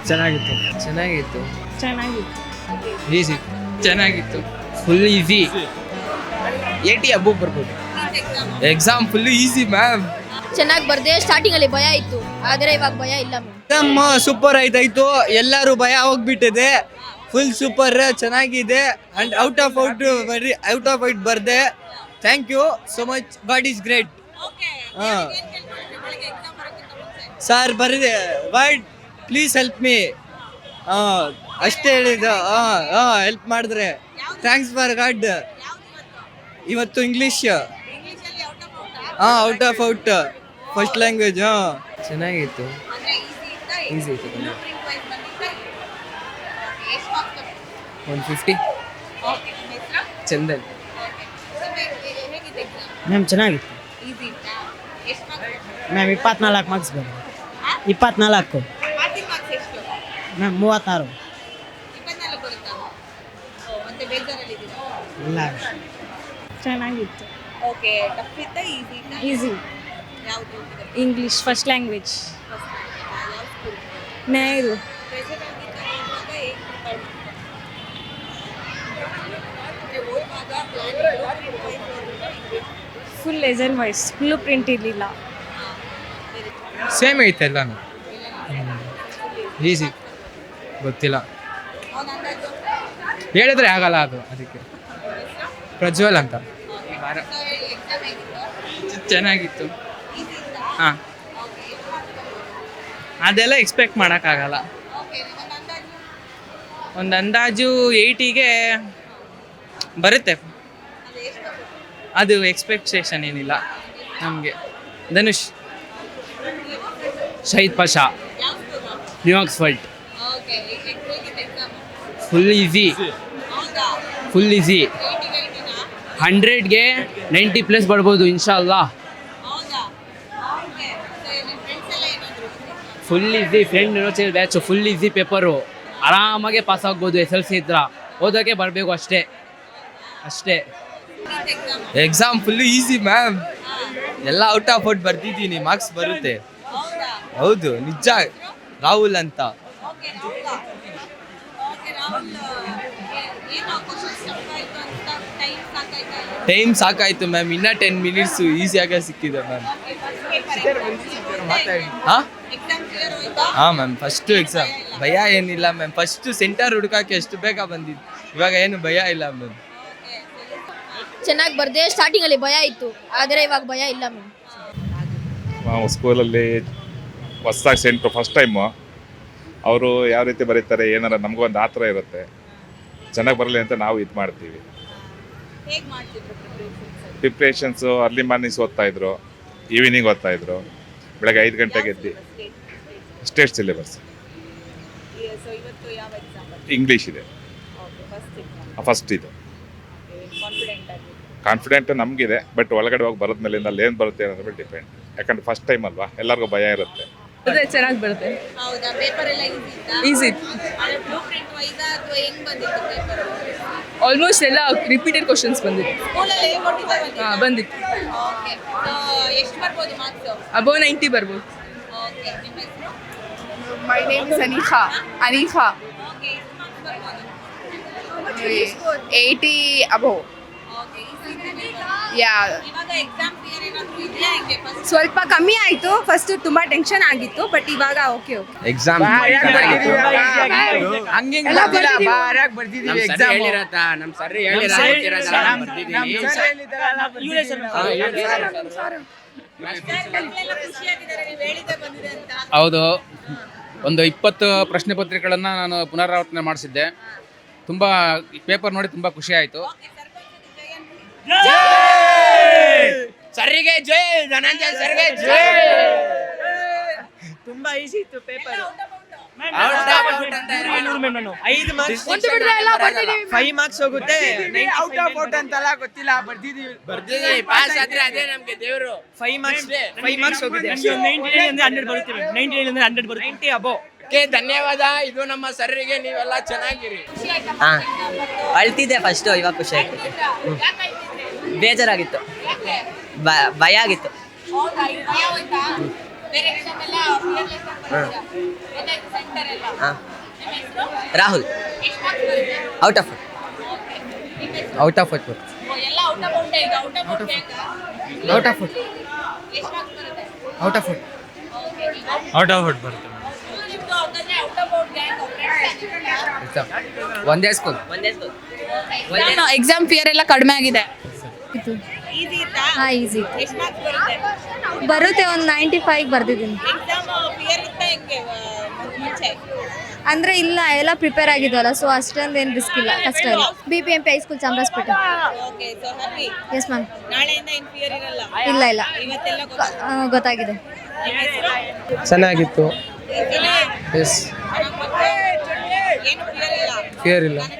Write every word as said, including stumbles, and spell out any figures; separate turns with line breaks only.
ಚೆನ್ನಾಗಿತ್ತು
ಚೆನ್ನಾಗಿತ್ತು
ಚೆನ್ನಾಗಿತ್ತು
ಈಸಿ ಚೆನ್ನಾಗಿತ್ತು ಫುಲ್ ಈಸಿ ಏಟಿ ಅಬ್ಬು ಬರ್ಬೋದು ಎಕ್ಸಾಮ್ ಫುಲ್ ಈಸಿ ಮ್ಯಾಮ್
ಚೆನ್ನಾಗಿ ಬರ್ದೆ ಸ್ಟಾರ್ಟಿಂಗ್ ಅಲ್ಲಿ ಭಯ ಇತ್ತು ಆದರೆ ಇವಾಗ ಭಯ ಇಲ್ಲ ಮ್ಯಾಮ್
ಎಕ್ಸಾಮ್ ಸೂಪರ್ ಆಯ್ತಾಯ್ತು ಎಲ್ಲರೂ ಭಯ ಹೋಗ್ಬಿಟ್ಟಿದೆ ಫುಲ್ ಸೂಪರ್ ಚೆನ್ನಾಗಿದೆ ಅಂಡ್ ಔಟ್ ಆಫ್ ಔಟ್ ಬರೀ ಔಟ್ ಆಫ್ ಔಟ್ ಬರ್ದೆ thank you so much god is great ಹಾಂ ಸರ್ ಬರಿದೆ ಬಟ್ ಪ್ಲೀಸ್ ಹೆಲ್ಪ್ ಮೀ ಹಾಂ ಅಷ್ಟೇ ಹೇಳಿದ್ದು ಹಾಂ ಹಾಂ ಹೆಲ್ಪ್ ಮಾಡಿದ್ರೆ ಥ್ಯಾಂಕ್ಸ್ ಫಾರ್ ಗಾಡ್ ಇವತ್ತು ಇಂಗ್ಲೀಷ್ ಹಾಂ out of out first language ಹಾಂ
ಚೆನ್ನಾಗಿತ್ತು ಈಸಿ ಇತ್ತು ಒನ್ ಫಿಫ್ಟಿ ಚಂದನ್
ಮ್ಯಾಮ್ ಚೆನ್ನಾಗಿತ್ತು ಮ್ಯಾಮ್ ಇಪ್ಪತ್ನಾಲ್ಕು ಮಾರ್ಕ್ಸ್ ಬಂದು ಇಪ್ಪತ್ನಾಲ್ಕು ಮ್ಯಾಮ್ ಮೂವತ್ತಾರು ಇಲ್ಲ
ಚೆನ್ನಾಗಿತ್ತು
ಓಕೆ ಟಫ್ ಇತ್ತಾ ಈಸಿ ಇತ್ತಾ
ಈಸಿ
ಯಾವುದು
English first language Nehru
present ಆಗಿದ್ದಾಗ ಇವಾಗ ಹೇಗೆ ಪ್ರಿಪೇರ್ ಮಾಡ್ತಾರೆ ಓದುವಾಗ plan
full lesson wise full print ಇರಲಿಲ್ಲ
ಸೇಮ್ ಐತೆ ಎಲ್ಲಾನು ಈಸಿ ಗೊತ್ತಿಲ್ಲ ಹೇಳಿದ್ರೆ ಆಗಲ್ಲ ಅದು ಅದಕ್ಕೆ ಪ್ರಜ್ವಲ್ ಅಂತ ವಾರ
ಎಕ್ಸಾಮ್ ಹೇಗಿತ್ತು
ಚೆನ್ನಾಗಿತ್ತು
ಈಸಿ ಇತ್ತಾ
ಹಾಂ
ಓಕೆ ಎಷ್ಟು ಮಾರ್ಕ್ಸ್
ಅದೆಲ್ಲ ಎಕ್ಸ್ಪೆಕ್ಟ್ ಮಾಡೋಕ್ಕಾಗಲ್ಲ
ಓಕೆ ಒಂದು ಅಂದಾಜು
ಒಂದು ಅಂದಾಜು ಏಯ್ಟಿಗೆ ಬರುತ್ತೆ
ಅದು ಎಷ್ಟು ಬರ್ಬೋದು?
ಅದು ಎಕ್ಸ್ಪೆಕ್ಟೇಷನ್ ಏನಿಲ್ಲ ನಮಗೆ ಧನುಷ್ ಶಹೀದ್ ಪಾಷಾ
ಯಾವ ಸ್ಕೂಲು
ನ್ಯೂಯಾರ್ಕ್ಸ್ ಫಲ್ಟ್
ಓಕೆ ಹೇಗಿತ್ತು ಎಕ್ಸಾಮ್
ಫುಲ್ ಈಸಿ
ಹೌದಾ
ಫುಲ್ ಈಸಿ
ಏಯ್ಟಿಗೆ ಏಯ್ಟಿನಾ
ಹಂಡ್ರೆಡ್ಗೆ ನೈಂಟಿ ಪ್ಲಸ್ ಬರ್ಬೋದು ಇನ್ಶಾಲ್ಲಾ
ಹೌದಾ ಓಕೆ ಸೊ ನಿಮ್ಮ ಫ್ರೆಂಡ್ಸ್ ಎಲ್ಲ ಏನಾದ್ರು
full easy friend university batch full easy paper ಆರಾಮಾಗೆ ಪಾಸ್ ಆಗ್ಬೋದು ಎಸ್ ಎಲ್ ಸಿ ಇದ್ರ ಓದೋಕ್ಕೆ ಬರಬೇಕು ಅಷ್ಟೇ ಅಷ್ಟೇ
exam
exam full easy ma'am ಎಲ್ಲ ಔಟ್ ಆಫ್ ಔಟ್ ಬರ್ತಿದ್ದೀನಿ ಮಾರ್ಕ್ಸ್ ಬರುತ್ತೆ
ಹೌದಾ
ಹೌದು ನಿಜ ರಾಹುಲ್ ಅಂತ
ಓಕೆ ಹೌದಾ ಓಕೆ ರಾಹುಲ್ ಏನು ಕ್ವಶನ್ಸ್ ಟಫ್ ಆಯಿತು ಅಂತ ಟೈಮ್ ಸಾಕಾಯ್ತಾ
ಟೈಮ್ ಸಾಕಾಯ್ತು ಮ್ಯಾಮ್ ಇನ್ನೂ ಟೆನ್ ಮಿನಿಟ್ಸು ಈಸಿಯಾಗೆ ಸಿಕ್ಕಿದೆ ಮ್ಯಾಮ್ ಹಾಂ
ಎಕ್ಸಾಮ್ ಕ್ಲಿಯರ್ ಹೋಯ್ತಾ
ಹಾಂ ಮ್ಯಾಮ್ ಫಸ್ಟು ಎಕ್ಸಾಮ್ ಭಯ ಏನಿಲ್ಲ ಮ್ಯಾಮ್ ಫಸ್ಟು ಸೆಂಟರ್ ಹುಡುಕಕ್ಕೆ ಎಷ್ಟು ಬೇಗ ಬಂದಿದ್ದು ಇವಾಗ ಏನು ಭಯ ಇಲ್ಲ ಮ್ಯಾಮ್
ಚೆನ್ನಾಗಿ ಬರ್ದೆ ಸ್ಟಾರ್ಟಿಂಗ್ ಅಲ್ಲಿ ಭಯ ಇತ್ತು ಆದರೆ ಇವಾಗ ಭಯ ಇಲ್ಲ ಮ್ಯಾಮ್
ನಾವು ಸ್ಕೂಲಲ್ಲಿ ಹೊಸ್ದಾಗಿ ಸೆಂಟ್ರು ಫಸ್ಟ್ ಟೈಮು ಅವರು ಯಾವ ರೀತಿ ಬರೀತಾರೆ ಏನಾರ ನಮಗೊಂದು ಆ ಥರ ಇರುತ್ತೆ ಚೆನ್ನಾಗಿ ಬರಲಿ ಅಂತ ನಾವು ಇದು ಮಾಡ್ತೀವಿ
ಹೇಗೆ ಮಾಡ್ತಿದ್ರು ಪ್ರಿಪರೇಷನ್ಸ್
ಪ್ರಿಪ್ರೇಷನ್ಸು ಅರ್ಲಿ ಮಾರ್ನಿಂಗ್ಸ್ ಓದ್ತಾಯಿದ್ರು ಈವ್ನಿಂಗ್ ಓದ್ತಾಯಿದ್ರು ಬೆಳಗ್ಗೆ ಐದು ಗಂಟೆಗೆ ಎದ್ದು ಸ್ಟೇಟ್ ಸಿಲೆಬಸ್
ಸೊ ಇವತ್ತು ಯಾವ ಎಕ್ಸಾಮ್
ಇಂಗ್ಲೀಷ್ ಇದೆ
ಓಕೆ ಫಸ್ಟ್ ಎಕ್ಸಾಮ್
ಫಸ್ಟ್ ಇದು
ಕಾನ್ಫಿಡೆಂಟ್ ಆಗಿ
ಕಾನ್ಫಿಡೆಂಟ್ ನಮಗಿದೆ ಬಟ್ ಒಳಗಡೆ ಹೋಗಿ ಬರೋದ ಮೇಲಿಂದ ಅಲ್ಲಿ ಏನು ಬರುತ್ತೆ ಅನ್ನೋದ್ರ ಮೇಲೆ ಡಿಪೆಂಡ್ ಯಾಕಂದ್ರೆ ಫಸ್ಟ್ ಟೈಮ್ ಅಲ್ವಾ ಎಲ್ಲರಿಗೂ ಭಯ ಇರುತ್ತೆ
ಅದೇ ಚೆನ್ನಾಗಿ ಬರುತ್ತೆ
ಹೌದಾ ಪೇಪರ್ ಎಲ್ಲ ಈಸಿ ಇತ್ತಾ
ಈಸಿ
ಆದರೆ ಬ್ಲೂ ಪ್ರಿಂಟ್ ವೈಸಾ ಅಥವಾ ಹೆಂಗ್ ಬಂದಿತ್ತು ಪೇಪರ್
ಆಲ್ಮೋಸ್ಟ್ ಎಲ್ಲ ರಿಪೀಟೆಡ್ ಕ್ವಶನ್ಸ್ ಬಂದಿತ್ತು
ಸ್ಕೂಲಲ್ಲಿ ಹೇಗೆ ಕೊಟ್ಟಿದ್ದೆ
ಹಾಂ ಬಂದಿತ್ತು
ಓಕೆ ಸೊ ಎಷ್ಟು ಬರ್ಬೋದು ಮಾರ್ಕ್ಸು
ಅಬೋ ನೈಂಟಿ ಬರ್ಬೋದು
ಓಕೆ ನಿಮ್ಮ ಹೆಸರು
My name is Anikha. Anikha.
Okay ಎಷ್ಟು ಮಾರ್ಕ್ಸ್ ಬರ್ಬೋದು
eighty above.
ಓಕೆ ಈಸಿ ಇದೆ
Yeah.
ಇವಾಗ ಎಕ್ಸಾಮ್ ಕ್ಲಿಯರ್ ಏನಾದರೂ ಇದೆಯಾ ಹೆಂಗೆ ಫಸ್ಟ್
ಸ್ವಲ್ಪ ಕಮ್ಮಿ ಆಯಿತು ಫಸ್ಟ್ ತುಂಬ ಟೆನ್ಷನ್ ಆಗಿತ್ತು ಬಟ್ ಇವಾಗ ಓಕೆ ಓಕೆ
ಎಕ್ಸಾಮ್
ಖುಷಿಯಾಗಿದ್ದಾರೆ ನೀವು ಹೇಳಿದ್ದೆ ಬಂದಿದೆ ಅಂತ
ಹೌದು ಒಂದು ಇಪ್ಪತ್ತು ಪ್ರಶ್ನೆ ಪತ್ರಿಕೆಗಳನ್ನು ನಾನು ಪುನರಾವರ್ತನೆ ಮಾಡಿಸಿದ್ದೆ ತುಂಬ ಪೇಪರ್ ನೋಡಿ ತುಂಬ ಖುಷಿ ಆಯಿತು
ಸರ್ರಿಗೆ ಜೈ ಧನಂಜಯ ಸರ್ಗೆ ಜೈ
ತುಂಬಾ ಈಸಿ ಇತ್ತು ಪೇಪರ್
ಐದು ಮಾರ್ಕ್ಸ್ ಫೈವ್ ಮಾರ್ಕ್ಸ್ ಹೋಗುತ್ತೆ ಔಟ್ ಆಫ್ ಔಟ್ ಅಂತಲ್ಲ ಗೊತ್ತಿಲ್ಲ ಬರ್ದಿದೀವಿ
ಬರ್ದಿದ್ದೀವಿ ಪಾಸ್ ಆದ್ರೆ ಅದೇ ನಮಗೆ ದೇವರು
ಫೈವ್ ಮಾರ್ಕ್ಸ್ ಫೈವ್ ಮಾರ್ಕ್ಸ್ ಹೋಗುತ್ತೆ
ಹಂಡ್ರೆಡ್ ಬರುತ್ತೆ ನೈಂಟಿ ನೈನ್ ಹಂಡ್ರೆಡ್ ಬರುತ್ತೆ
ನೈಂಟಿ ಅಬೋ
ಓಕೆ ಧನ್ಯವಾದ ಇದು ನಮ್ಮ ಸರ್ರಿಗೆ ನೀವೆಲ್ಲ ಚೆನ್ನಾಗಿರಿ
ಹಾಂ ಅಳ್ತಿದ್ದೆ ಫಸ್ಟು ಇವಾಗ ಖುಷಿ ಆಗ್ತೈತೆ ಬೇಜಾರಾಗಿತ್ತು ಭಯ ಆಗಿತ್ತು
ಬೇರೆ ಎಕ್ಸಾಮ್ ಎಲ್ಲ fearless ಆಗಿ ಬರ್ತೀರಾ? ಗೊತ್ತಾಯ್ತು ಸೆಂಟರ್ ಎಲ್ಲ.
ಹಾಂ
ನಿಮ್ಮ ಹೆಸರು?
ರಾಹುಲ್
ಎಷ್ಟು ಮಾರ್ಕ್ಸ್ ಬರುತ್ತೆ?
Out of
Okay. ನಿಮ್ಮ ಹೆಸರು?
ಔಟ್ ಆಫ್ ಔಟ್
ಓ, ಎಲ್ಲ ಔಟ್ ಆಫ್ ಔಟ್ ಇದು ಔಟ್ ಆಫ್ ಔಟ್ ಬೇಕಾ?
ಔಟ್ ಆಫ್ ಔಟ್
ಎಷ್ಟು ಮಾರ್ಕ್ಸ್ ಬರುತ್ತೆ?
Out of out
Okay.
Out of out ಬರುತ್ತೆ
ನಿಮ್ದು ಹಾಗಾದ್ರೆ ಔಟ್ ಆಫ್ ಔಟ್ ಗ್ಯಾಂಗ್
ಒಂದೇ ಸ್ಕೂಲ್
ಒಂದೇ ಸ್ಕೂಲ್
ಎಕ್ಸಾಮ್ ಫಿಯರ್ ಎಲ್ಲ ಕಡಿಮೆ ಆಗಿದೆ.
ಇತ್ತು
ಈಸಿ ಇತ್ತಾ?
ಹಾಂ ಈಸಿ ಇತ್ತು
ಎಷ್ಟು ಮಾರ್ಕ್ಸ್ ಬರುತ್ತೆ?
ಬರುತ್ತೆ ಒಂದು ನೈಂಟಿ ಫೈವ್ ಬರ್ದಿದ್ದೀನಿ
ಎಕ್ಸಾಮ್ ಫಿಯರ್ ಇತ್ತಾ ಹೆಂಗೆ ಆ, ಮುಂಚೆ?
ಅಂದರೆ ಇಲ್ಲ ಎಲ್ಲ ಪ್ರಿಪೇರ್ ಆಗಿದ್ವಲ್ಲ ಸೊ ಅಷ್ಟೊಂದು ಏನು ರಿಸ್ಕ್ ಇಲ್ಲ ಕಷ್ಟ ಇಲ್ಲ B P M P high school Chamarajpet
okay so happy.
Yes ma'am
ನಾಳೆಯಿಂದ ಏನು ಫಿಯರ್ ಇರಲ್ಲ.
ಇಲ್ಲ ಇಲ್ಲ
ಇವತ್ತೆಲ್ಲ ಗೊತ್ತಾಯ್ತು.
ಆ, ಗೊತ್ತಾಗಿದೆ
ನಿಮ್ಮ ಹೆಸರು?
ಚೆನ್ನಾಗಿತ್ತು
ಇಲ್ಲ.
ಎಸ್
ಚೆನ್ನಾಗ್ ಬಂತು. ಏನು ಫಿಯರ್ ಇಲ್ಲ.
ಫಿಯರ್ ಇಲ್ಲ
ಕನ್ನಡ